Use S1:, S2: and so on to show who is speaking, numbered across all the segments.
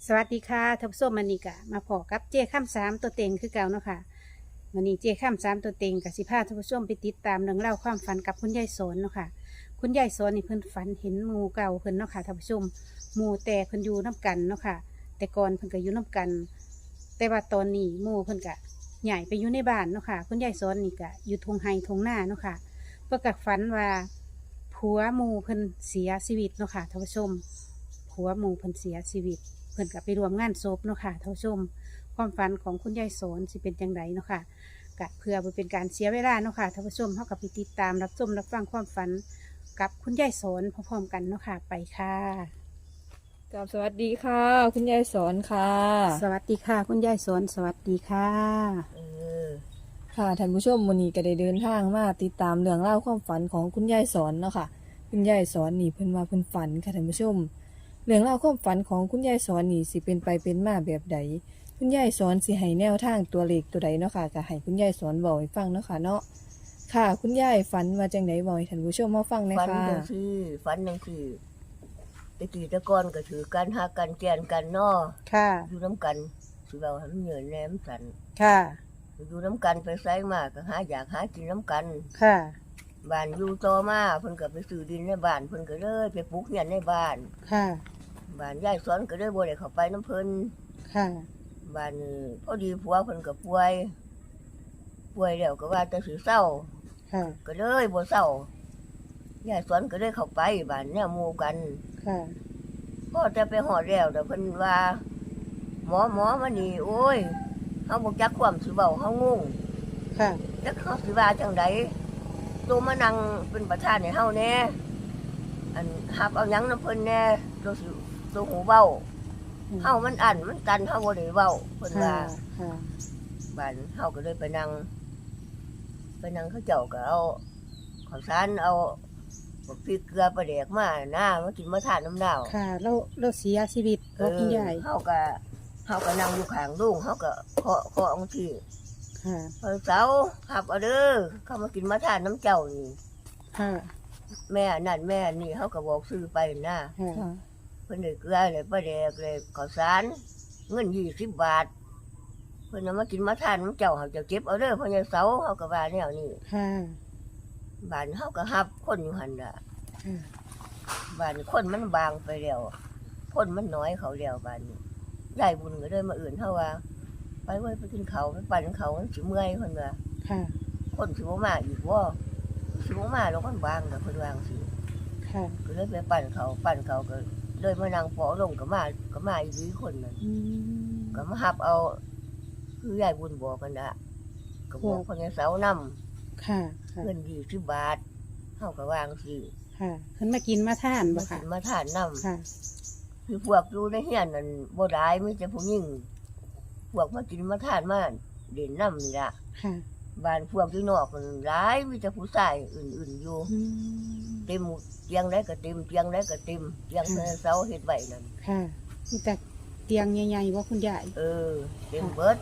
S1: สวัสดีค่ะท่านผู้ชมมันนี่กะมาพอกับเจ้ข้ามสามตัวเต็งคือเก่าเนาะค่ะมันนี่เจ้ข้ามสามตัวเต็งกับสิพาท่านผู้ชมไปติดตามเรื่องเล่าวความฝันกับคุณยายสนเนาะค่ะคุณยายสนนี่เพิ่นฝันเห็นหมู่เก่าเพิ่นเนาะค่ะท่านผู้ชมหมู่แต่เพิ่นอยู่น้กันเนาะค่ะแต่ก่อนเพิ่นก็อยู่น้กัน แต่ว่าตอนนี้หมู่เพิ่นก็ใหญ่ไปอยู่ในบ้านเนาะค่ะคุณยายสนนี่ก็อยู่ทงไฮทงหน้าเนาะค่ะเพิ่นก็ฝันว่าผัวหมู่เพิ่นเสียชีวิตเนาะค่ะท่านผู้ชมผัวหมู่เพิ่นเสียชีวิต เพิ่นก็ไปรวมงานศพเนาะค่ะท่านผู้ชมความฝันของคุณยายสอนสิเป็นจังไดเนาะค่ะกะเพื่อบ่เป็นการเสียเวลาเนาะค่ะท่านผู้ชมเฮากับไปติดตามรับชมรับฟังความฝันกับคุณยายสอนพร้อมๆกันเนาะค่ะไปค่ะ
S2: กับสวัสดีค่ะ คุณยายสอนค่ะ
S1: สวัสดีค่ะคุณยายสอนสวัสดีค่ะ
S3: เออ
S2: ค่ะท่านผู้ชมวันนี้ก็ได้เดินทางมาติดตามเรื่องเล่าวความฝันของคุณยายสอนเนาะค่ะคุณยายสอนนี่เพิ่นว่าเพิ่นฝันค่ะท่านผู้ชมเรื่องเล่าวความฝันของคุณยายสอนนี่สิเป็นไปเป็นมาแบบใดคุณยายสอนสิให้แนวทางตัวเลขตัวใดเนาะค่ะก็ให้คุณยายสอนบอกให้ฟังเนาะค่ะเนาะค่ะคุณยายฝันว่าจังไดบอกให้ท่านผู้ชมมาฟังหน่อย
S3: ฝัน
S2: ค่ะ
S3: จังซี่ฝันจังซี่ตะกี้ตะกอนก็ถือกันหากันแกนกันเนาะ
S1: ค่ะ
S3: อยู่น้ำกันสิเว้าให้มันเหนื่อยแหนมสัน
S1: ค่ะ
S3: อยู่น้ำกันไปไสมาก็หาอยากหากินน้ำกัน
S1: ค่ะ
S3: บ้านอยู่ต่อมาเพิ่นก็ไปซื้อดินในบ้านเพิ่นก็เลยไปปลูกเรือนในบ้าน
S1: ค่ะ
S3: บ้านยายสอนก็เลยบ่ได้เข้าไปน้ำเพิ่น
S1: ค่ะ
S3: บ้านนี้พอดีผัวเพิ่นก็ป่วยแล้วก็ว่าจะสิเศร้า
S1: ค่ะ
S3: ก็เลยบ่เศร้ายายสอนก็เลยเข้าไปบ้านแนวหมู่กัน
S1: ค่ะ
S3: พ่อจะไปหอดแล้วแต่เพิ่นว่าหมอมานี่โอ้ยเฮาบ่จักความสิเว้าเฮางง
S1: ค่ะ
S3: จักเฮาสิว่าจังไดตัวมานั่งเป็นประธานให้เฮาแหน่อันหับเอาหยังนำเพิ่นแหน่ตัวสิตัวหูเว้าเฮามันอั้นมันตันเฮาบ่ได้เว้าเพิ่น
S1: ค่ะ
S3: ว่า
S1: ค่ะ
S3: บ้านเฮาก็เลยไปนั่งเขาเจ้าก็เอาข้าวสารเอาบักพริกเกลือปลาแดกมามากินมาทานน้ำดาว
S1: ค่ะแล้วเสียชีวิตบ่คุณยาย
S3: เฮาก็นั่งอยู่ข้างลุงเฮาก็เคาะองที่
S1: ค่ะ
S3: เสาขับเอาเด้อเข้ามากินมาทานน้ำเจ้านี่
S1: ค่ะ
S3: แม่นั่นแม่นี่เฮาก็บอกซื้อไปนะ
S1: ค่ะ
S2: ค่ะ
S3: เพิ่นได้เกลือเลยปลาแดกเลยข้าวสารเงิน20 บาทเพิ่นเอามากินมาทานน้ำเจ้าเฮาจะเก็บเอาเด้อพ่อใหญ่เสาเฮาก็ว่าแนวนี้
S1: ค่ะ
S3: บ้านเฮาก็รับคนอยู่หั่นล่ะ
S1: ค่ะ
S3: บ้านคนมันบางไปแล้วคนมันน้อยเขาแล้วบ้านนี้ยายบุญก็เลยมาเฮาว่าไปไว้ไปกินข้าวไปปั่นข้าวมันสิเมื่อยเพิ่นว่า
S1: ค่ะ
S3: คนสิบ่มาอีกบ่สิบ่มาแล้วคนบางน่ะเพิ่นว่าจังซี่
S1: ค่ะ
S3: ก็เลยไปปั่นเขาก็เลยมานั่งปอลงก็มาอีกทีคนนั้น
S1: อืม
S3: ก็มาหับเอาคือยายบุญบอกกันน่ะก็บอกคนในเสานํ
S1: ค่ะ ค่ะ
S3: เงิน20 บาทเฮาก็วาจังซี่
S1: ค่ะเพิ่นมากินมาทานบ่
S3: มา
S1: ค่ะ
S3: กินมาทานนํ
S1: ค่ะ
S3: คือพวกอยู่ในเฮียนนั่นบ่หลายมีแต่ผู้หญิงพวกมากินมาทานมาเด่นนํนี่ล่ะ
S1: ค่ะ
S3: บ้านพวกอยู่นอกมันหลายมีแต่ผู้ชายอื่นๆอยู่
S1: อืม
S3: เต็มเตียงใดก็เต็มเตียงใดก็เต็มเตียงเสาเฮ็ดไว้นั่น
S1: ค่ะมีแต่เตียงใหญ่ๆว่าคุณยาย
S3: เต็มเบิด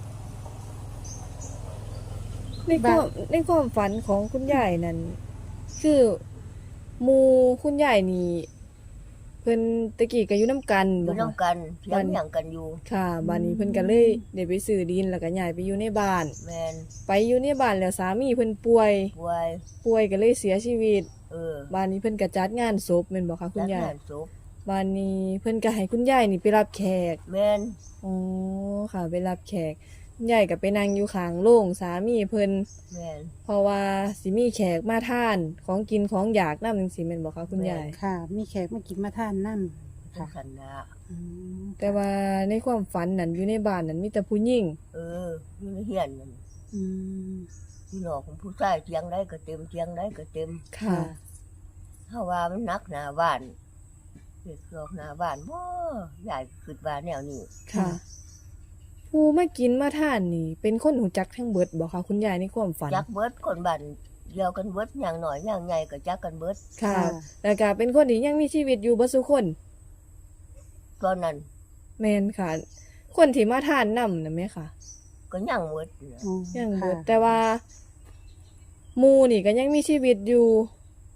S2: ในความฝันของคุณยายนั่นคือหมู่คุณยายนี่เพิ่นตะกี้ก็อยู่นํกัน
S3: อยู่
S2: บ่
S3: นํ
S2: คะ
S3: กันเถียงหยังกันอยู่
S2: ค่ะบ้านนี้เพิ่นก็เลยได้ไปซื้อดินแล้วก็ย้ายไปอยู่ในบ้าน
S3: แม่น
S2: ไปอยู่ในบ้านแล้วสามีเพิ่นป่วย
S3: ป่วย
S2: ก็เลยเสียชีวิต
S3: เออ
S2: บ้านนี้เพิ่นก็จัดงานศพแม่นบ่คะคุณยาย
S3: จัดงานศพ
S2: บ้านนี้เพิ่นก็ให้คุณยายนี่ไปรับแขก
S3: แม่น
S2: อ๋อค่ะไปรับแขกคุณยายก็ไปนั่งอยู่ข้างโรงสามีเพิ่น
S3: แม่น
S2: เพราะว่าสิมีแขกมาทานของกินของอยากนำจังซี่แม่นบ่คะคุณยาย
S1: ค่ะ มีแขกมากินมาทานนั่น
S3: จั
S1: ค่ะ
S3: งซั่นน่ะ
S1: อืม
S2: แต่ว่าในความฝันนั้นอยู่ในบ้านนั้นมีแต่ผู้หญิง
S3: อยู่ในเฮียนนั่น
S1: อืม
S3: อยู่นอกของผู้ชายเตียงใดก็เต็มเตียงใดก็เต็ม
S2: ค่ะ
S3: เฮาว่ามันหนักหน้าบ้านเฮ็ดคือออกหน้าบ้านบ่ยายคิดว่าแนวนี้
S2: ค่ะ ผู้มากินมาทานนี่ เป็นคนหูจักทั้งเบิดบ่คะคุณยายในความฝัน
S3: จักเบิดคนบ้านเดียวกันเบิดอย่างน้อยอย่างใหญ่ก็จักกันเบิด
S2: ค่ะ แล้วก็เป็นคนที่ยังมีชีวิตอยู่บ่ซุคน
S3: ตอนนั้น
S2: แม่นค่ะ คนที่มาทานนำน่ะแม่ค่ะ
S3: ก็ยังเบิดน่ะ
S1: อ๋อ
S2: ยังเบิด
S1: ค่ะ
S2: แต่ว่าหมู่นี่ก็ยังมีชีวิตอยู่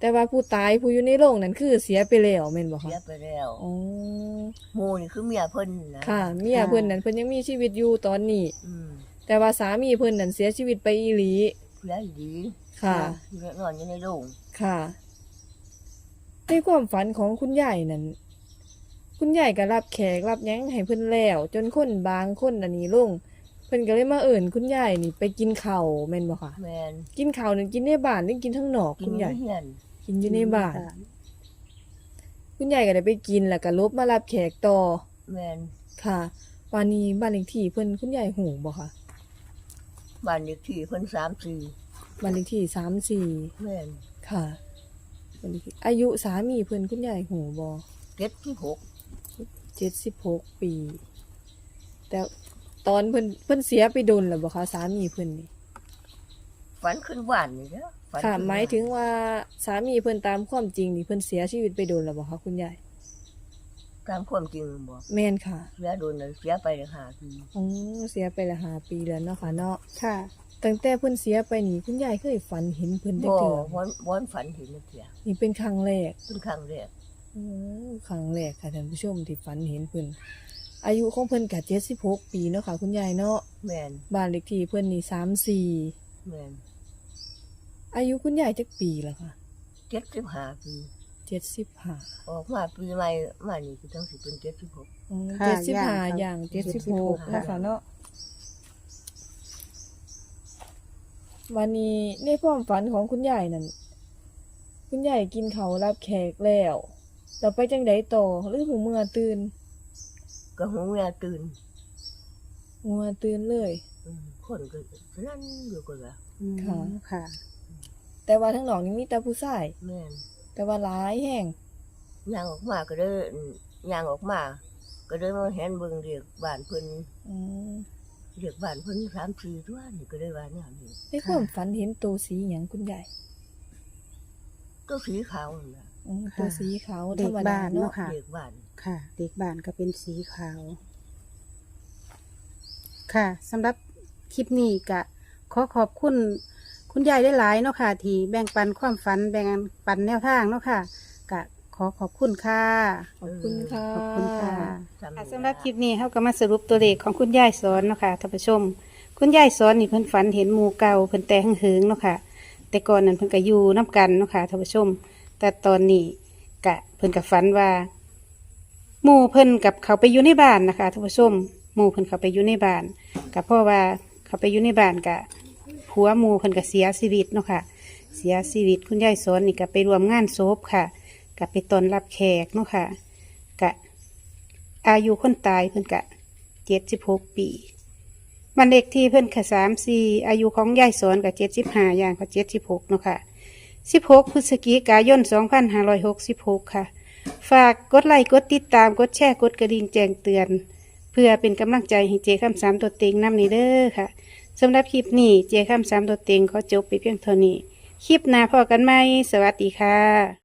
S2: แต่ว่าผู้ตายผู้อยู่ในโรงนั้นคือเสียไปแล้วแม่นบ่
S3: เสี
S2: คะ
S3: ยไปแล้ว
S2: อ๋อ
S3: หมู่นี่คือเมียเพิ่นนะ
S2: ค่ะเมียเพิ่นนั่นเพิ่นยังมีชีวิตอยู่ตอนนี้
S3: อืม
S2: แต่ว่าสามีเพิ่นนั่นเสียชีวิตไปอีหลี
S3: เสียดี
S2: ค่ะ
S3: นอนอยู่ในโรง
S2: ค่ะในความฝันของคุณยายนั่นคุณยายก็รับแขกรับหยังให้เพิ่นแล้ว จนคนบางคนอันนี้ลงเพิ่นก็เลยมาเอิ้นคุณยายนี่ไปกินข้าวแม่นบ่คะ
S3: แม่น
S2: กินข้าวนั่นกินในบ้านหรือกินข้างนอก
S3: กิ
S2: คุ
S3: น
S2: ณ
S3: อยู่
S2: ยาย
S3: ในเฮียน
S2: กินอยู่ในบ้าน คุณยายก็ได้ไปกินแล้วก็ลบมารับแขกต่อ
S3: แม่น
S2: ค่ะวันนี้บ้านเลขที่เพิ่นคุณยายหูบ่คะ
S3: บ้านเลขที่เพิ่น34
S2: บ้านเลขที่34
S3: แม่น
S2: ค่ะบ้านเลขที่อายุสามีเพิ่นคุณยายหูบ่
S3: 76
S2: 76 ปี แต่ตอนเพิ่นเสียไปโดนแล้วบ่คะสามีเพิ่นนี่
S3: ฝันขึ้นบ้านนี่เด้อฝัน
S2: ค่ะ
S3: ขึ้น
S2: หมายถึงว่าสามีเพิ่นตามความจริงนี่เพิ่นเสียชีวิตไปโดนแล้วบ่คะคุณยาย
S3: ตามความจริงบ่
S2: แม่นค่ะ
S3: เสียโดนเลยเสียไปเลย5 ปี
S2: อ๋อเสียไปละ5 ปีแล้วเนาะค่ะเนาะ
S1: ค่ะ
S2: ตั้งแต่เพิ่นเสียไปนี่คุณยายเคยฝันเห็นเพิ่นจัก
S3: บ่
S2: เทื่อ
S3: บ่ฝันเห็นจักเที่ย
S2: นี่เป็นครั้งแรก
S3: เป็นครั้งแรก
S2: ครั้งแรกค่ะท่านผู้ชมที่ฝันเห็นเพิ่นอายุของเพิ่นก็76 ปีเนาะค่ะคุณยายเนาะ
S3: แม่น
S2: บ้านเลขที่เพิ่นนี่34
S3: แม่น
S2: อายุคุณยายจักปีแล้วค่ะ
S3: 75 ปี
S2: 75
S3: ออกมาปีใหม่มานี่คือต้องสิเป็น76
S2: อืม
S1: ค่ะ
S2: 75อย่าง
S1: 76
S2: 76นะคะเนาะวันนี้ในความฝันของคุณยายนั่นคุณยายกินข้าวรับแขกแล้วไปจังไดต่อหรือหูเมื่อตื่น
S3: ก็หูเมียตื่น
S2: หัวตื่นเลย
S3: คนก็นั่นอยู่ก็ว่า
S1: อืม
S2: ค่ะ
S1: ค่ะ
S2: แต่ว่าทั้งนอกนี่มีแต่ผู้ชาย
S3: แม่น
S2: แต่ว่าหลายแห้ง
S3: ย่างออกมาก็เด้อย่างออกมา ก็เด้มาเห็นเบิ่งเรียกบ้านเพิ่น
S2: อืม
S3: เรียกบ้านเพิ่น3-4ตัวนี่ก็ได้ว่าแนวนี้
S2: ในความฝันเห็นตัวสีหยังคุณยาย
S3: ตัวสีขาวนั่นน่ะ
S2: ตัวสีขาว
S1: เด็
S2: ธร
S1: ก
S2: รมดา
S1: บ้าน
S2: เนาะ
S1: เนาะค่ะ
S3: เรียกบ้าน
S1: ค่ะ เด็กบ้านก็เป็นสีขาว ค่ะสำหรับคลิปนี้ก็ขอขอบคุณคุณยายได้หลายๆเนาะค่ะ ที่แบ่งปันความฝันแบ่งปันแนวทางเนาะค่ะก็ขอขอบคุณค่ะ
S2: ขอบคุณค่ะ
S1: ขอบคุณค่ะ
S3: จำ
S1: ค่ะ
S3: ได้
S1: สำหรับคลิปนี้เขาก็มาสรุปตัวเลขของคุณยายสอนเนาะค่ะท่านผู้ชม คุณยายสอนนี่เพิ่นฝันเห็นหมู่เก่าเพิ่นแต่หึงๆเนาะค่ะ แต่ก่อนนั้นเพิ่นก็อยู่น้กันเนาะค่ะท่านผู้ชม แต่ตอนนี้กะเพิ่นก็ฝันว่าหมู่เพิ่นกับเขาไปอยู่ในบ้านนะคะท่านผู้ชมหมู่เพิ่นเขาไปอยู่ในบ้านก็เพราะว่าเขาไปอยู่ในบ้านกะผัวหมู่เพิ่นก็เสียชีวิตเนาะค่ะ เสียชีวิตคุณยายสอนนี่ก็ไปรวมงานศพค่ะก็ไปต้อนรับแขกเนาะค่ะกะอายุคนตายเพิ่นกะ76 ปีวันเด็กที่เพิ่นค่ะ34อายุของยายสอนกับ75อย่างกับ76เนาะค่ะ16 พฤศจิกายน 2566 ค่ะ ฝากกดไลค์กดติดตามกดแชร์กดกระดิ่งแจ้งเตือน เพื่อเป็นกำลังใจให้เจคำสามตัวเต็งนำนี้เด้อค่ะสำหรับคลิปนี้เจคำสามตัวเต็งขอจบไปเพียงเท่านี้ คลิปหน้าพอกันไหมสวัสดีค่ะ